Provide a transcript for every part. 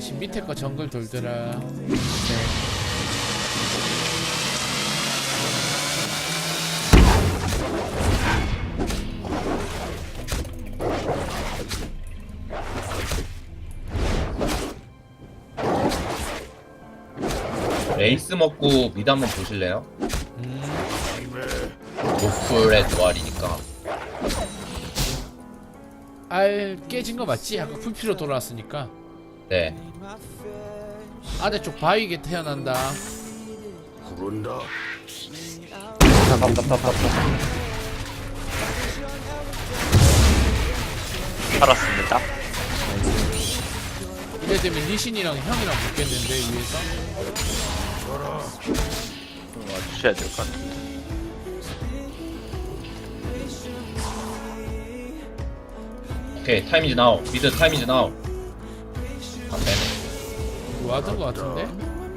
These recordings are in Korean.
지금 밑에 거 정글 돌더라. 레이스 먹고 미드 한번 보실래요? 노플의 도알이니까. 알 깨진 거 맞지? 아까 풀피로 돌아왔으니까. 네. 아래쪽 바위게 태어난다. 살았습니다. 이래 되면 리신이랑 형이랑 붙겠는데 위에서. 와주셔야 될 것 같은데. 오케이, 타임 이즈 나우. 미드 타임 이즈 나우. 안 되네. 와든 거 같은데?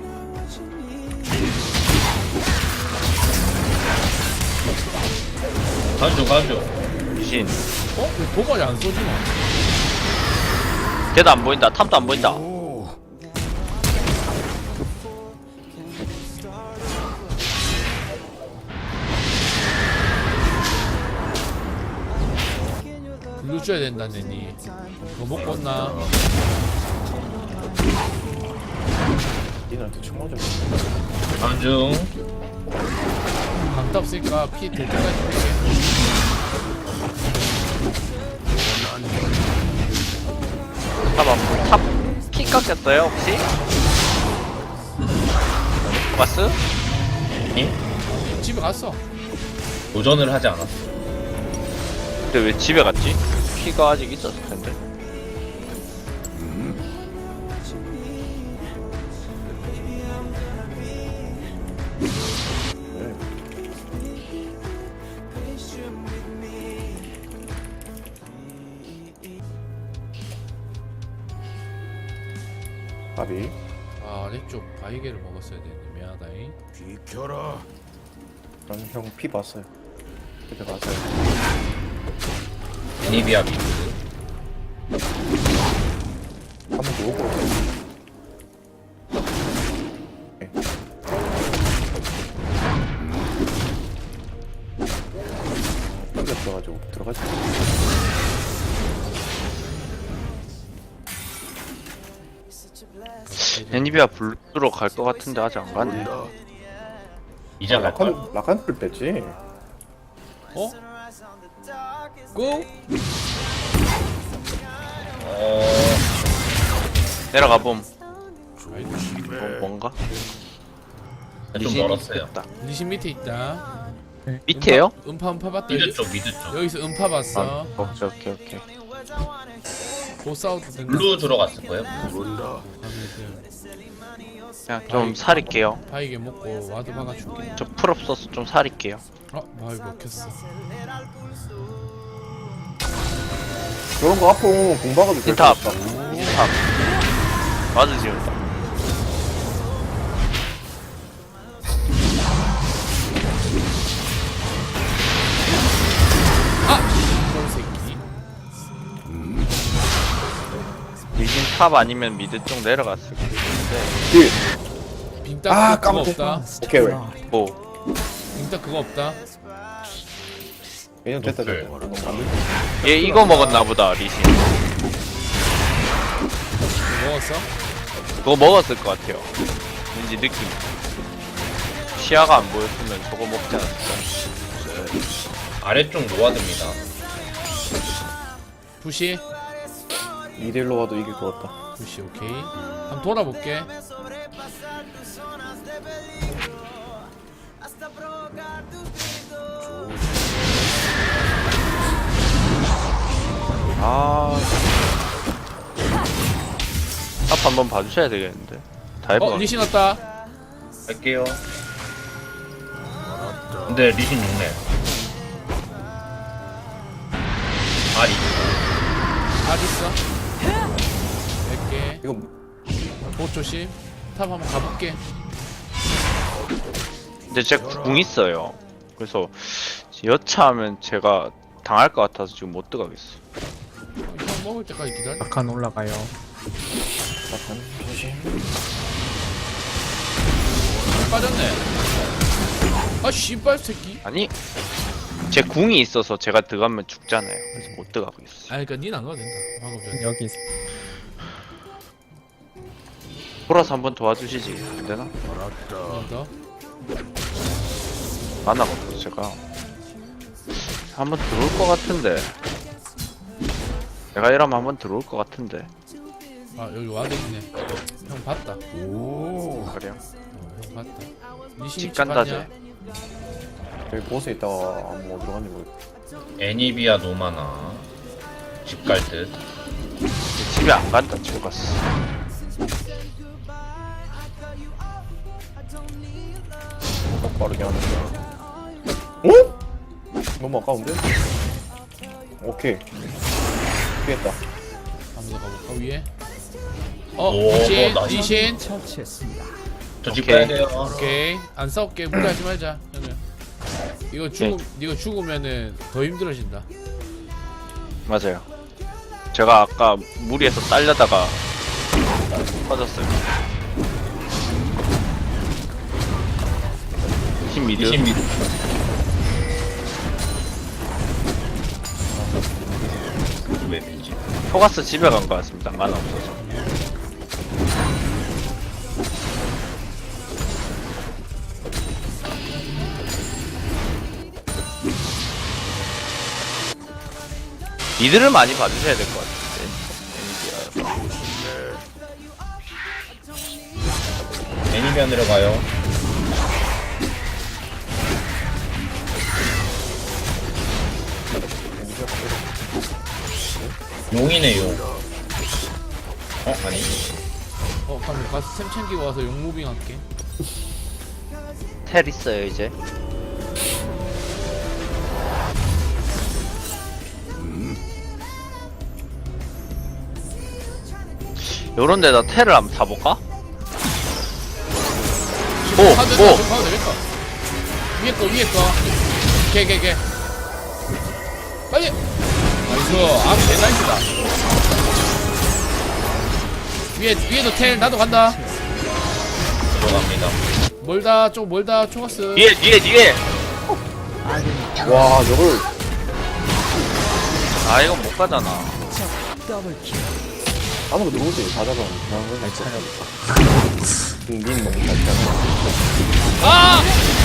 가죠, 가죠. 미신. 어? 왜 도발이 안 쏘지마? 걔도 안 보인다. 탑도 안 보인다. 블루 줘야 된다느니. 뭐 먹고 온나? 니한테 총 맞아. 가중. 강타 없으니까 피 될 때까지 볼게. 탑 안 보이. 탑키 깎였어요 혹시? 바스? 니? 집에 갔어. 도전을 하지 않았어. 근데 왜 집에 갔지? 키가 아직 있었을 텐데. 밥이. 아, 아래쪽 바위게를 먹었어야 되는데 미안하다잉. 난 형 피 봤어요. 그때 봤어요. 애니비아 미드. 한번 누워. 떨어져가지고 들어가지. 애니비아 블루로 갈 것 같은데 아직 안 가네. 이제 갈 걸. 라칸을 뺐지. 어? 고! 내려가 봄. 아이고, 뭔가? 좀 멀었어요. 됐다. 리신 밑에 있다. 밑에요? 음파 봤다. 미드 쪽, 미드 쪽. 여기서 음파 봤어. 오케이. 보스아웃 된 블루 들어갔을 거예요. 그냥 좀 살릴게요. 바위게 먹고 와드 박아줄게. 저 풀 없어서 좀 살릴게요. 바위 먹혔어. 그런 거 아프 공박아도 될 탑. 것 같다. 탑. 맞아 지금. 이 새끼. 미진 탑 아니면 미드 쪽 내려갔을 텐데. 딜. 빙딱 아, 그거 깜짝이야. 없다. 오케이. 뭐? 빙딱 그거 없다. 왜냐면 됐다 오케이. 됐다. 얘 이거 먹었나 보다 리신. 이거 먹었어? 그거 먹었을 것 같아요. 왠지 느낌. 시야가 안 보였으면 저거 먹지 않았을까. 아래쪽 노아드입니다. 부시? 2대1로 와도 이길 것 같다. 부시 오케이. 한번 돌아볼게. 아. 탑 한번 봐주셔야 되겠는데. 다이브. 리신 왔다. 갈게요. 근데 리신 6렙. 아리. 있어. 100개. 이거 보 조심. 탑 한번 가볼게. 근데 제 궁 있어요. 그래서 여차하면 제가 당할 것 같아서 지금 못 들어가겠어. 형 먹을 때까지 기다려. 아칸 올라가요. 자탄 조심. 빠졌네. 아 씨발 새끼. 아니 제 궁이 있어서 제가 들어가면 죽잖아요. 그래서 못 들어가고 있어. 아 그니까 니는 안 가도 된다. 방금 전에. 여기 돌아서 한번 도와주시지 안 되나? 더. 만화가 없어 제가. 한번 들어올 것 같은데. 내가 이러면 한번 들어올 것 같은데. 아 여기 와드 있네. 형 봤다. 오. 그래요? 형 봤다. 니 집 신입 간다 봤냐? 쟤. 여기 보스에 있다가 뭐 어디로 갔는지 모르겠어. 애니비아 노마나 집 갈 듯. 집에 안 간다 죽었어. 딱 빠르게 하는데. 어? 너무 아까운데? 오케이. 피했다. 한번 더 가볼까 위에? 어 오, 리신 나이스. 리신. 저 집 오케이. 가야 돼요. 오케이 안 싸울게. 무리하지 말자. 형님. 이거 죽으면은 더 힘들어진다. 맞아요. 제가 아까 무리해서 딸려다가 빠졌어요. 힘 미드. 20m. 왜 밀지? 포가스 집에 간 것 같습니다. 만화 없어서. 미드를 많이 봐주셔야 될 것 같은데. 애니비아 내려가요. 용이네 용. 아니. 그럼 가서 템 챙기고 와서 용무빙 할게. 텔 있어요 이제. 요런 데다 텔을 한번 사볼까? 오! 가도 오! 되겠다. 가도 되겠다. 위에 거. 걔. 빨리. 나이스. 개나이스다. 위에도 텔 나도 간다. 들어갑니다. 멀다 초가스. 뒤에! 와, 저걸. 아 이건 못 가잖아. 아무도 들어오지. 다 잡았는데. 잘 찾아볼까. 닌 너무 잘 찾아. 아!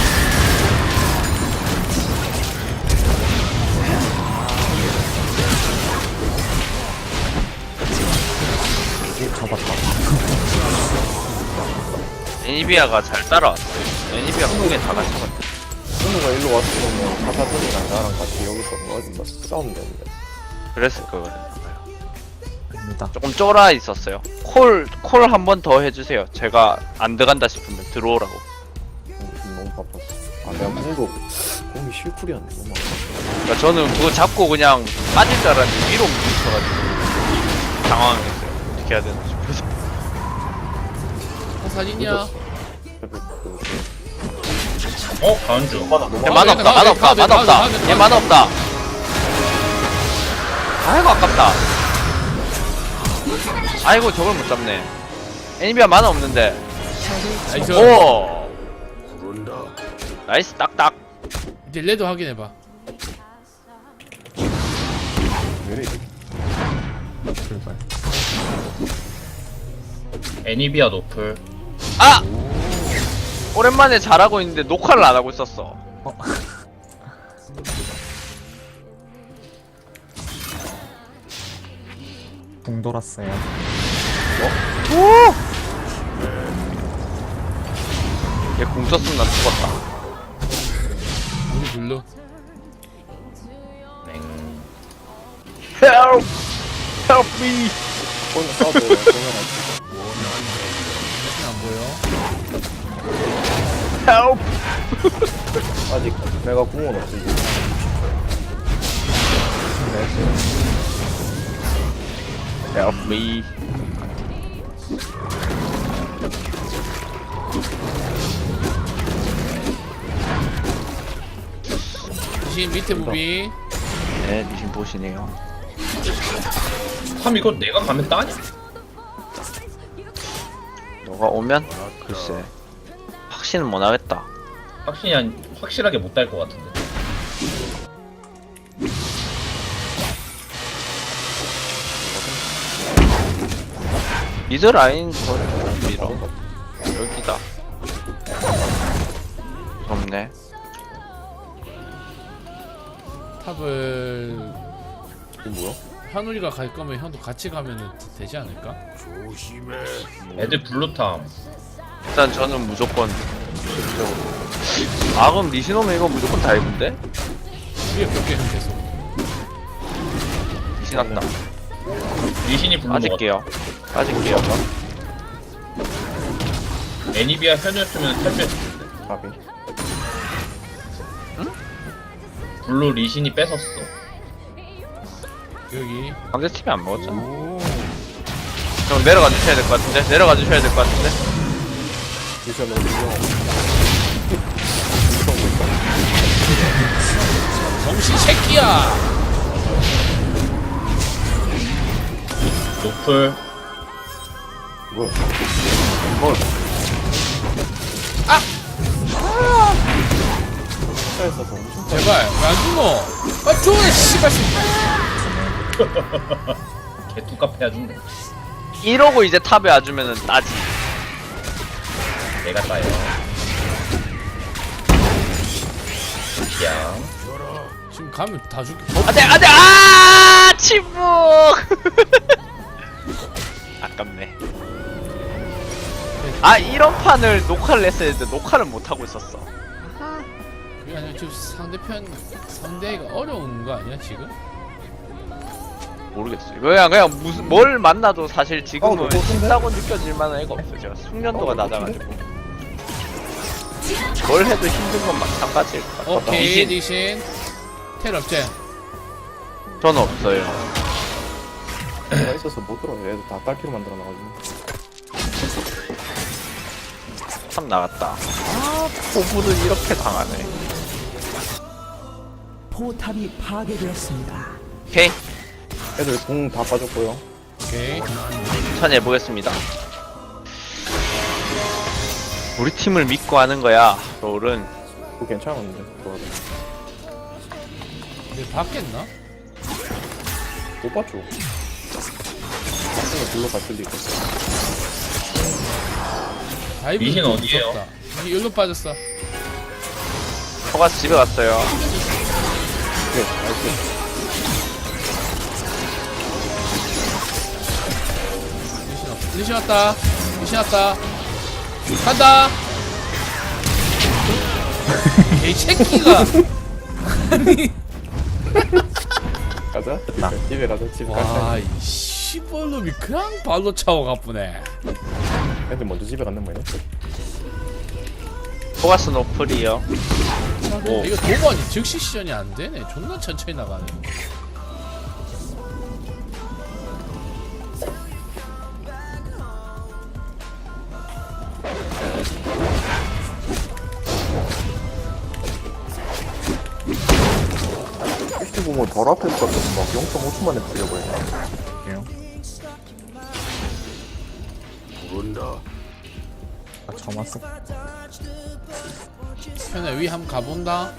애니비아가 잘 따라왔어요. 애니비아 궁에 다 같이 갔다. 현우가 일로 왔으면 사사분이랑 나랑 같이 여기서 뭐 싸우면 되는데. 그랬을 거거든요. 입니다. 조금 쫄아 있었어요. 콜 한 번 더 해주세요. 제가 안 들어간다 싶으면 들어오라고. 너무 바빴어. 아, 내가 공이 실쿨이었네. 너무 아파. 그러니까 저는 그거 잡고 그냥 빠질 줄 알았는데 위로 뭉쳐가지고 당황했어요. 어떻게 해야 되나 싶어서. 사진이야. 가은주. 얘 만화 없다. 얘 만화 없다. 아이고 아깝다. 아이고 저걸 못 잡네. 애니비아 만화 없는데. 나이스. 오. 나이스 딱딱. 이제 레드 확인해봐. 왜 이래? 출발. 애니비아 노플. 아! 오랜만에 잘하고 있는데 녹화를 안 하고 있었어. 붕 돌았어요. 얘 궁 썼으면 난 죽었다. 우리 블루. 맹. Help! Help me! 오늘 싸워도 보면 안 보여. Help! 아직 내가 궁은 없지. Help me! 리신 밑에 무비. 네, 리신 보시네요. 참 이거 내가 가면 따냐? 너가 오면 글쎄 확신은 못하겠다. 확실하게 못 딸 것 같은데. 미드 라인 거리 밀어. 여기다. 무섭네. 탑을 이거 뭐야? 현우리가 갈 거면 형도 같이 가면은 되지 않을까? 애들 블루탐. 일단 저는 무조건 아 그럼 리신 오면 이거 무조건 다이브인데? 위에 벽에 형 계속. 리신 왔다. 리신이 블루 먹었다. 빠질게요. 애니비아 현우였으면 탈주했을 텐데. 가비. 블루 리신이 뺏었어. 여기. 상대팀이 안 먹었잖아. 형 내려가 주셔야 될 것 같은데? 내려가 주셔야 될 것 같은데? 미션 너무 유명하고. 정신 새끼야. 노플. 뭐야? 차에서 엄청 제발 왜안 죽어? 아 죽어 씨발 새끼. 개뚜까패 해준다. 이러고 이제 탑에 와주면은 따지. 내가 따요. 그냥 지금 가면 다 죽게. 안돼 아 침묵. 아깝네. 아 이런 판을 녹화를 했어야 했는데 녹화를 못 하고 있었어. 그게 아니라 지금 상대가 어려운 거 아니야 지금? 모르겠어요. 그냥 무슨 뭘 만나도 사실 지금은 너 좋던데? 쉽다고 느껴질 만한 애가 없어. 제가 숙련도가 낮아가지고 뭘 해도 힘든 건 마찬가지일 것 같아. 오케이 리신 리신. 텔 없지? 저는 없어요. 내가 있어서 못 들어. 애들 다 딸피로 만들어 놔가지고. 참 나갔다. 아 포부는 이렇게 당하네. 포탑이 파괴되었습니다. 오케이 애들 공 다 빠졌고요. 오케이. 천천히 해보겠습니다. 우리 팀을 믿고 하는 거야. 롤은 그거 괜찮았는데. 그거 근데 바뀌었나? 못 봤죠. 나중에 불러 갔을 리가. 다이브 리신 좀 어디에요? 무섭다. 이게 여기로 빠졌어. 초가스 집에 갔어요. 네, 나이스. 리신 왔다. 리신 왔다. 간다. 이 새끼가. 아니. 가자. 집에 가자. 집에 와, 가자. 이 씨발놈이 그냥 발로 차고 가쁘네. 애들 먼저 집에 갔는 거예요? 초가스 노플이요. 오. 이거 도번이 즉시 시전이 안 되네. 존나 천천히 나가네. 혹시 보면 덜 앞에 있었던 막 0.5초 만에 풀려버리네. 아, 저만 써. 현아 위 한번 가본다.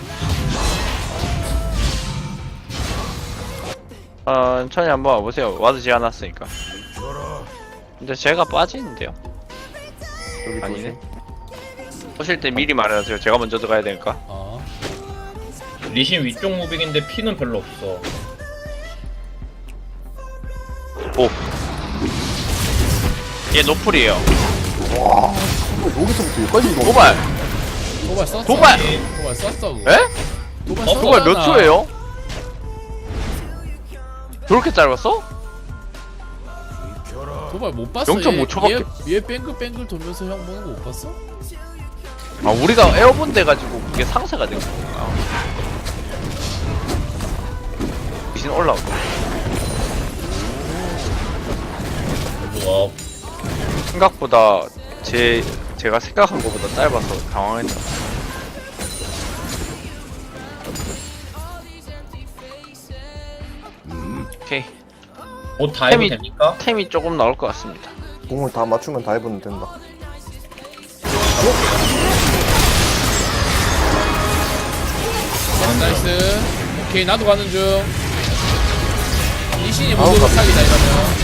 천천히 한번 와보세요. 와드 지어놨으니까. 근데 제가 빠지는데요? 여기 아니네. 조심. 오실 때 미리 말해주세요. 제가 먼저 들어가야 되니까. 어. 리신 위쪽 무빙인데 피는 별로 없어. 오. 얘 노플이에요. 와, 여기서부터 여기까지 이거. 도발! 도발 썼어. 도발! 도발 썼어. 그거. 에? 도발 어, 썼잖아. 도발 몇 초예요? 저렇게 짧았어? 도발 못 봤어. 0.5 초밖에. 얘 뱅글뱅글 돌면서 형 보는 거 못 봤어? 아 우리가 에어본 돼가지고 그게 상쇄가 된 거구나. 귀신 올라오고. 와, 생각보다 제가 생각한 것보다 짧아서 당황했다. 오케이. 곧 다이브 템이- 됩니까? 템이 조금 나올 것 같습니다. 공을 다 맞추면 다 해보면 된다. 나이스. 오케이, 나도 가는 중. 리신이 아우, 모두 깜짝이야. 사기다 이러면.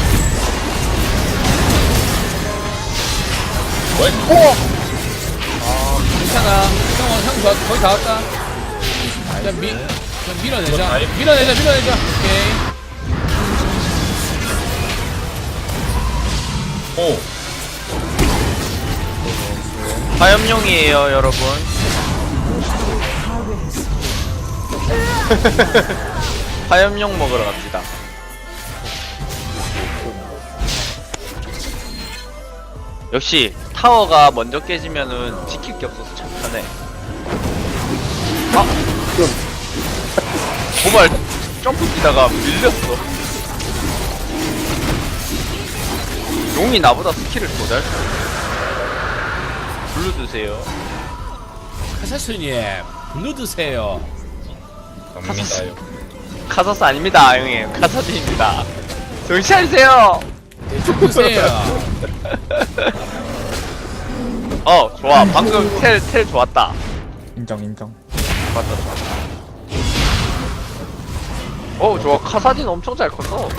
괜찮아. 형 거의 다 왔다. 그냥 밀어내자. 밀어내자. 오케이. 오. 화염용이에요 여러분. 화염용 먹으러 갑시다. 역시 타워가 먼저 깨지면은 지킬 게 없어서 참 편해. 아! 도발 점프 뛰다가 밀렸어. 용이 나보다 스킬을 더 잘 써. 블루 드세요. 카사스님, 블루 드세요. 갑니다요. 카사스 아닙니다 형님. 카사딘입니다. 정신 차리세요. 대충 드세요. 좋아. 방금 텔 좋았다. 인정. 좋았다. 좋아. 카사딘 엄청 잘 컸어.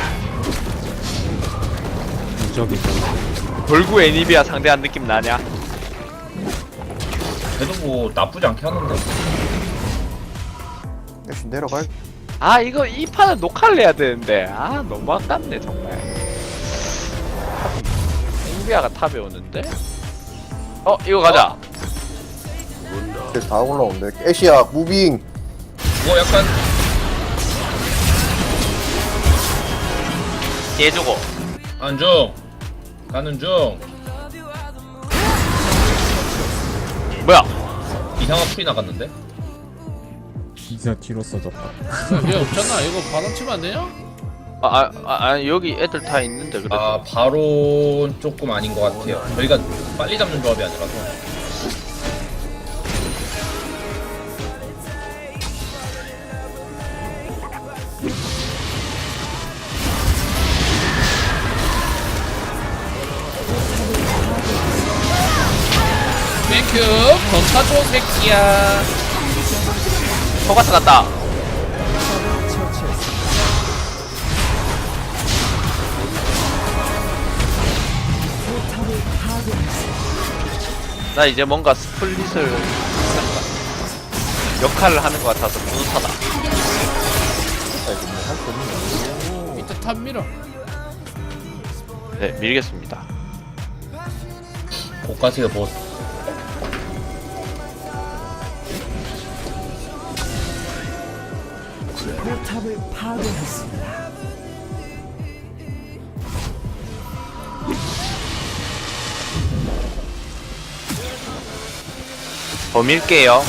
무적이죠. 벌구 애니비아 상대한 느낌 나냐? 그래도 뭐 나쁘지 않게 하는데. 역시 내려갈. 이거 이 판은 녹화를 해야 되는데 너무 아깝네 정말. 애니비아가 탑에 오는데? 이거 가자. 그래서 다 올라오는데. 애쉬야 무빙. 뭐 약간 얘주고. 안중. 가는 중. 뭐야? 이상한 풀이 나갔는데? 이제 뒤로 써졌다. 얘 없잖아. 이거 바람 치면 안 되냐? 여기 애들 다 있는데 그래도. 아 바로 조금 아닌 것 같아요. 저희가 빨리 잡는 조합이 아니라서. 땡큐. 더 차줘 새끼야. 포가스 갔다. 나 이제 뭔가 스플릿을 역할을 하는 것 같아서 뿌듯하다. 이따 탑 밀어. 네, 밀겠습니다. 고가세요 보스. 포탑을 파괴했습니다. 더 밀게요.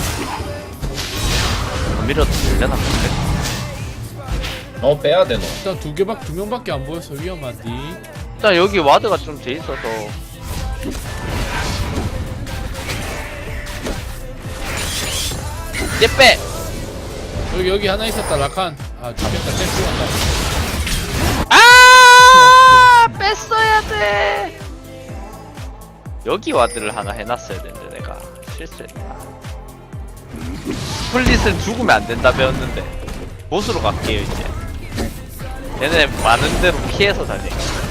더 밀어도 되려나 본데. 빼야 돼 너. 일단 두 명밖에 안 보여서 위험하디. 일단 여기 와드가 좀 돼 있어서. 얘 빼! 여기 하나 있었다. 라칸. 죽겠다. 쟤 죽었다. 뺐어야 돼! 여기 와드를 하나 해놨어야 되는데 내가 실수했다. 스플릿을 죽으면 안 된다 배웠는데 보스로 갈게요 이제. 얘네 많은 대로 피해서 다니.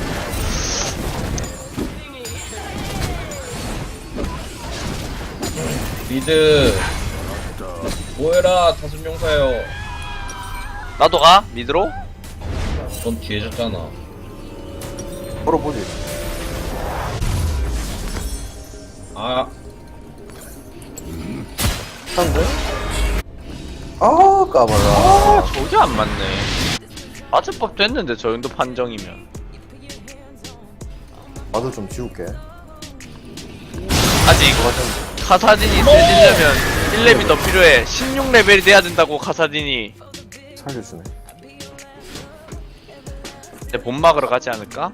미드. 뭐해라 다섯명사요. 나도 가? 미드로? 넌 뒤에 졌잖아. 걸어보지. 아 한데? 까봐라. 저게 안 맞네. 맞을 법도 했는데 저 정도 판정이면. 나도 좀 지울게. 아직 카사딘이 세지려면 1렙이 더 필요해. 16레벨이 돼야 된다고 카사딘이. 살려주네. 이제 본 막으러 가지 않을까?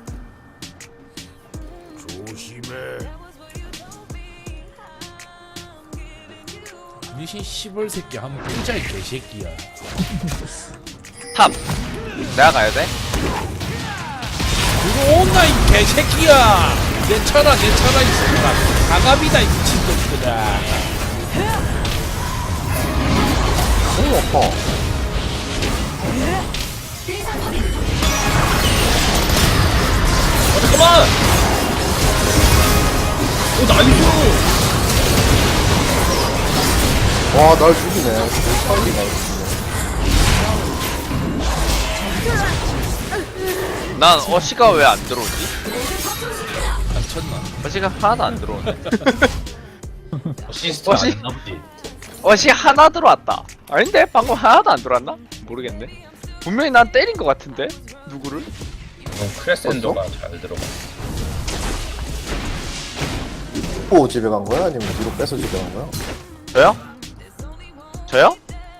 미신 시벌 새끼 한번 진짜 이 개새끼야. 탑! 내가 가야 돼? 들어온나 이 개새끼야. 내 쳐라 이 새끼야. 가갑이다 이 미친놈들아. 너무 아파. 잠깐만! 나이스! 와, 날 죽이네. 타이밍 나이스. 난 어시가 왜 안 들어오지? 안 쳤나? 어시가 하나도 안 들어오네. 어시스트 어시? 아니나 보지. 어시 하나 들어왔다. 아닌데? 방금 하나도 안 들어왔나? 모르겠네. 분명히 난 때린 것 같은데? 누구를? 크레센도가 잘 들어가. 또 집에 간 거야? 아니면 뒤로 빼서 집에 간 거야? 저요? 저요?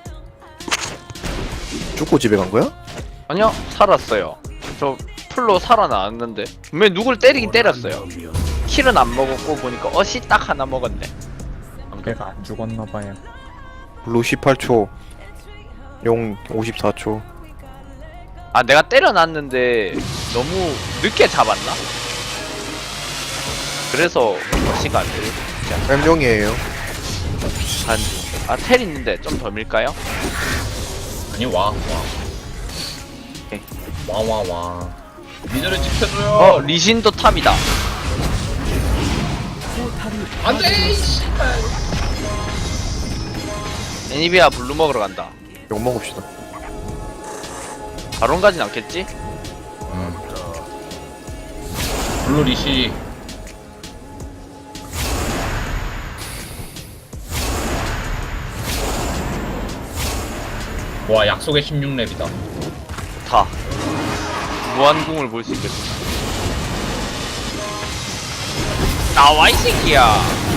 죽고 집에 간 거야? 아니요, 살았어요. 저 풀로 살아나왔는데 분명히 누굴 때리긴 때렸어요. 킬은 안 먹었고 보니까 어시 딱 하나 먹었네. 걔가 안 죽었나봐요. 블루 18초. 용 54초. 아, 내가 때려놨는데 너무 늦게 잡았나? 그래서 어시가 안 들려. 엠용이에요. 아, 텔 있는데 좀 더 밀까요? 아니, 와. 오케이. 와. 미드를 지켜줘요. 어, 리신도 탑이다. 안 돼! 애니비아 블루 먹으러 간다. 욕 먹읍시다. 바론 가진 않겠지? 블루 리시. 와, 약속의 16렙이다. 다. 무한궁을 볼 수 있겠다. 나와, 이 새끼야!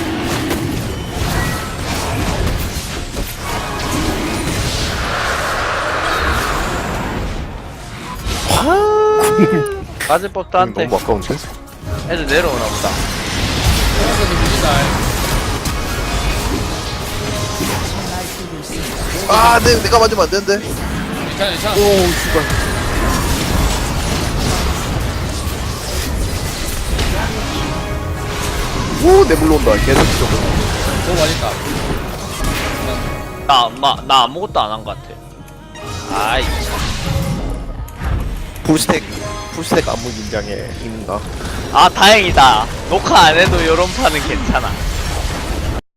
맞을 법도 한데. 너무 아까운데? 애들 내려오나 보다. 그래서 누구다. 아, 내가 맞으면 안 되는데. 괜찮아. 오, 씨발. 오, 내 물러온다. 개새끼 저거. 너무 맛있다. 나 아무것도 안 한 것 같아. 아이, 참. 풀스택 안무 긴장에 있는가? 아, 다행이다. 녹화 안 해도 요런 판은 괜찮아.